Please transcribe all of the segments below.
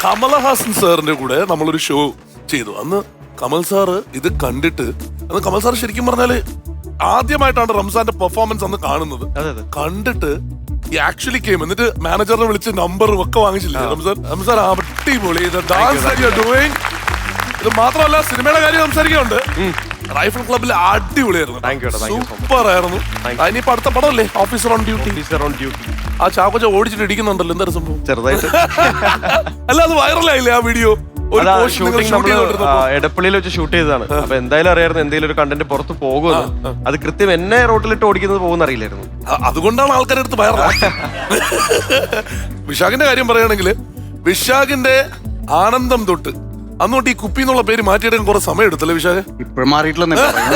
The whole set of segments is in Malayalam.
കമലഹാസൻ സാറിന്റെ കൂടെ നമ്മളൊരു ഷോ ചെയ്തു. അന്ന് കമൽ സാറ് ഇത് കണ്ടിട്ട്, അന്ന് കമൽ സാർ ശരിക്കും പറഞ്ഞാല് ആദ്യമായിട്ടാണ് റംസാന്റെ പെർഫോമൻസ് അന്ന് കാണുന്നത്. കണ്ടിട്ട് ഈ ആക്ച്വലി കെയിം, എന്നിട്ട് മാനേജറിനെ വിളിച്ച് നമ്പറും ഒക്കെ വാങ്ങിച്ചില്ലേ റംസാൻ അടിപൊളി ഡാൻസ് ഡൂയിങ്. ഇത് മാത്രമല്ല സിനിമയുടെ കാര്യം സംസാരിക്കുന്നുണ്ട്. റൈഫിൾ ക്ലബിൽ അടിപൊളിയായിരുന്നു, സൂപ്പർ ആയിരുന്നു. ഇനിയിപ്പോ അടുത്ത പടമല്ലേ ഓഫീസർ ഓൺ ഡ്യൂട്ടി. ആ ചാക്കോച്ച ഓടിച്ചിട്ട് ഇടിക്കുന്നുണ്ടല്ലോ, എന്താ സംഭവം? ചെറുതായിട്ട് അല്ല അത് വൈറലായില്ലേ ആ വീഡിയോ? എടപ്പള്ളിയിൽ വെച്ച് ഷൂട്ട് ചെയ്തതാണ്. അപ്പൊ എന്തായാലും അറിയായിരുന്നു എന്തെങ്കിലും ഒരു കണ്ടന്റ് പുറത്ത് പോകുമെന്ന്. അത് കൃത്യം എന്നെ റോട്ടിലിട്ട് ഓടിക്കുന്നത് പോകുന്ന അറിയില്ലായിരുന്നു. അതുകൊണ്ടാണ് ആൾക്കാരുടെ അടുത്ത് വൈറലാക്കിയത്. വിശാഖിന്റെ കാര്യം പറയുകയാണെങ്കിൽ വിശാഖിന്റെ ആനന്ദം തൊട്ട് അന്നോട്ട് ഈ കുപ്പി എന്നുള്ള പേര് മാറ്റിയെടുക്കാൻ കുറെ സമയം എടുത്തല്ലേ വിശാഖ്? ഇപ്പോഴും മാറിയിട്ടില്ല.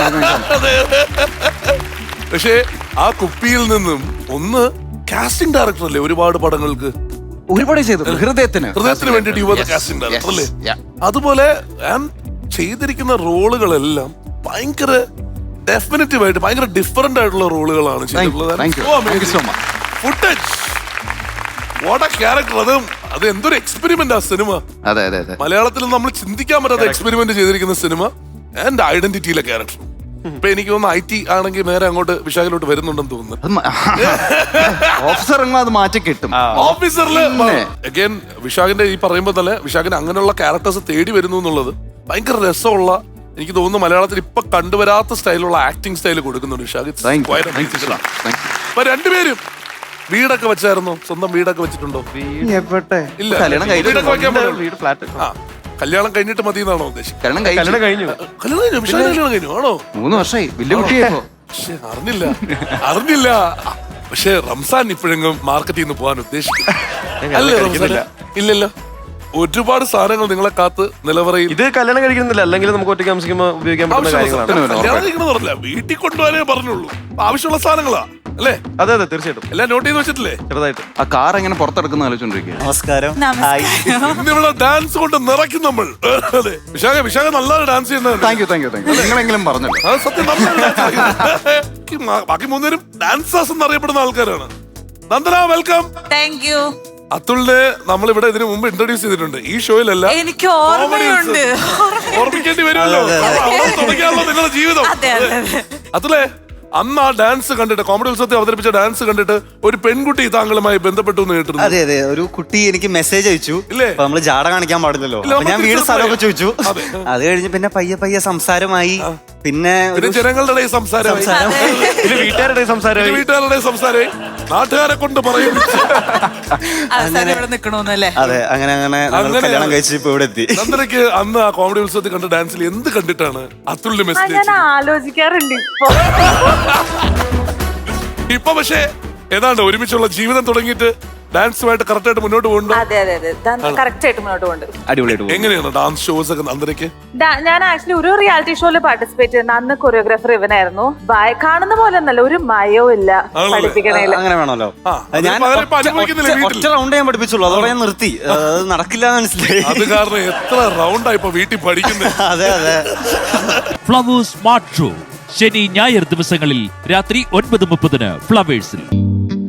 പക്ഷേ ആ കുപ്പിയിൽ നിന്നും ഒന്ന് കാസ്റ്റിംഗ് ഡയറക്ടർ അല്ലേ ഒരുപാട് പടങ്ങൾക്ക് ഒരുപാട് ചെയ്തു. ഹൃദയത്തിന് വേണ്ടിട്ട് യുവ കാസ്റ്റിംഗ് ഡയറക്ടർ അല്ലേ? അതുപോലെ ഞാൻ ചെയ്തിരിക്കുന്ന റോളുകളെല്ലാം ഭയങ്കര ഡെഫിനറ്റീവ് ആയിട്ട് ഭയങ്കര ഡിഫറെന്റ് ആയിട്ടുള്ള റോളുകളാണ് ചെയ്തിട്ടുള്ളത്. Footage what a character. അത് എന്തൊരു എക്സ്പെരിമെന്റ് ആ സിനിമ. അതെ അതെ അതെ, മലയാളത്തിൽ നമ്മൾ ചിന്തിക്കാൻ പറ്റാത്ത എക്സ്പെരിമെന്റ് ചെയ്തിരിക്കുന്ന സിനിമ ആൻഡ് ഐഡന്റിറ്റിയിലെ ക്യാരക്ടർ. ഇപ്പൊ എനിക്ക് തോന്നുന്നു IT ആണെങ്കിൽ നേരെ അങ്ങോട്ട് വിശാഖിലോട്ട് വരുന്നുണ്ടെന്ന് തോന്നുന്നു. ഓഫീസർ അത് മാറ്റി കിട്ടും. ഓഫീസറിൽ അഗൈൻ വിശാഖിന്റെ ഈ പറയുമ്പോ തന്നെ വിശാഖിന് അങ്ങനെയുള്ള ക്യാരക്ടേഴ്സ് തേടി വരുന്നു എന്നുള്ളത് ഭയങ്കര രസമുള്ള, എനിക്ക് തോന്നുന്നു മലയാളത്തിൽ ഇപ്പൊ കണ്ടുവരാത്ത സ്റ്റൈലുള്ള ആക്ടിങ് സ്റ്റൈൽ കൊടുക്കുന്നുണ്ട് വിശാഖ്. അപ്പൊ രണ്ടുപേരും വീടൊക്കെ വെച്ചായിരുന്നോ? സ്വന്തം വീടൊക്കെ വെച്ചിട്ടുണ്ടോ? ഇല്ല, കല്യാണം കഴിഞ്ഞിട്ട് മതി എന്നാണോ ഉദ്ദേശിച്ചത്? കല്യാണം കഴിഞ്ഞു. കല്യാണം കഴിഞ്ഞു ആണോ? 3 വർഷമായി, വലിയ കുട്ടിയായപ്പോ. അറിഞ്ഞില്ല. പക്ഷെ റംസാൻ ഇപ്പോഴെങ്കിലും മാർക്കറ്റിൽ നിന്ന് പോകാൻ ഉദ്ദേശിക്കും അല്ലേ റംസാൻ? ഇല്ലല്ലോ, ഒരുപാട് സാധനങ്ങൾ നിങ്ങളെ കാത്ത് നിലവറയിൽ. ഇത് കല്യാണം കഴിക്കുന്നില്ല, അല്ലെങ്കിൽ നമുക്ക് ഒറ്റയ്ക്ക് താമസിക്കുമ്പോൾ ഉപയോഗിക്കാൻ പറ്റുന്ന കാര്യങ്ങളാണ്. വീട്ടിൽ കൊണ്ടുപോകാനേ പറഞ്ഞുള്ളൂ. ആവശ്യമുള്ള സാധനങ്ങളാ അല്ലേ? അതെ അതെ, തീർച്ചയായിട്ടും എല്ലാം നോട്ട് ചെയ്ത് വെച്ചിട്ടില്ലേ? ചെറുതായിട്ട്. ആ കാർ എങ്ങനെ പുറത്തെടുക്കുന്ന ആലോചിച്ചോണ്ടിരിക്കുക. നമസ്കാരം. ഇന്നിവിടെ ഡാൻസ് കൊണ്ട് നിറയ്ക്കും നമ്മൾ. അതെ, വിശാഖ നല്ലൊരു ഡാൻസ് ചെയ്യുന്നത്. Thank you. നിങ്ങളെങ്കിലും പറഞ്ഞല്ലോ. അത് സത്യം. ബാക്കി 3 പേരും ഡാൻസേഴ്സ് എന്നറിയപ്പെടുന്ന ആൾക്കാരാണ്. നന്ദന, വെൽക്കം. Thank you. അതുലിനെ നമ്മൾ ഇവിടെ ഇതിനു മുമ്പ് ഇൻട്രൊഡ്യൂസ് ചെയ്തിട്ടുണ്ട് ഈ ഷോയിലല്ല. എനിക്ക് ഓർമ്മയുണ്ട്. ഓർമ്മിക്കേണ്ടി വരുമല്ലോ, തുടങ്ങിയാണല്ലോ നിങ്ങളുടെ ജീവിതം. അതുലെ അന്ന് ആ ഡാൻസ് കണ്ടിട്ട്, കോമഡി ഉത്സവത്തിൽ അവതരിപ്പിച്ച ഡാൻസ് കണ്ടിട്ട് ഒരു പെൺകുട്ടി താങ്കളുമായി ബന്ധപ്പെട്ടു എന്ന് കേട്ടിരുന്നു. അതെ അതെ, ഒരു കുട്ടി എനിക്ക് മെസ്സേജ് അയച്ചു. ഇല്ലേ? നമ്മള് ജാട കാണിക്കാൻ പാടില്ലല്ലോ. ഞാൻ വീട് സ്ഥലമൊക്കെ ചോദിച്ചു. അത് കഴിഞ്ഞ് പിന്നെ പയ്യെ സംസാരമായി. പിന്നെ ജനങ്ങളുടെ സംസാരം, വീട്ടുകാരുടെ സംസാരമായി, നാട്ടുകാരെ കൊണ്ട് പറയും. അതെ, അങ്ങനെ കല്യാണം കഴിച്ച് ഇപ്പൊ ഇവിടെ എത്തി. നന്ദനയ്ക്ക് അന്ന് ആ കോമഡി ഉത്സവത്തിൽ കണ്ട ഡാൻസിൽ എന്ത് കണ്ടിട്ടാണ് അതുലിന് മെസ്സേജ്? ഞാൻ ആലോചിക്കാറുണ്ട് ഇപ്പൊ. പക്ഷേ ഏതാണ്ട് ഒരുമിച്ചുള്ള ജീവിതം തുടങ്ങിയിട്ട് ഡാൻസുമായിട്ട് കറക്റ്റ് ആയിട്ട് മുന്നോട്ട് പോകുന്നുണ്ടോ? അതെ അതെ അതെ, കറക്റ്റ് ആയിട്ട് മുന്നോട്ട് പോകുന്നുണ്ട്. അടിപൊളിയായിട്ട്. എങ്ങനെയാണ് ഡാൻസ് ഷോസ് ഒക്കെ നന്ദനയ്ക്ക്? ഞാൻ ആക്ച്വലി ഒരു റിയാലിറ്റി ഷോയിൽ പാർട്ടിസിപ്പേറ്റ് ചെയ്യുന്ന അന്ന് കൊറിയോഗ്രാഫർ ഇവനായിരുന്നു. കാണുന്ന പോലെ ഒന്നല്ല, ഒരു മയവും ഇല്ല പഠിപ്പിക്കണേല്. അങ്ങനെ വേണമല്ലോ. ഞാൻ ഒറ്റ റൗണ്ട് ഞാൻ പഠിപ്പിച്ചുള്ളൂ, അതോടെ ഞാൻ നിർത്തി. അത് നടക്കില്ല മനസ്സിലായി. അത് കാരണം എത്ര റൗണ്ടായി ഇപ്പൊ വീട്ടിൽ പഠിക്കുന്നത്. അതെ അതെ. ഫ്ലവേഴ്സ് സ്മാർട്ട് ഷോ ശനി ഞായർ ദിവസങ്ങളിൽ രാത്രി 9:30 ഫ്ലവേഴ്സിൽ.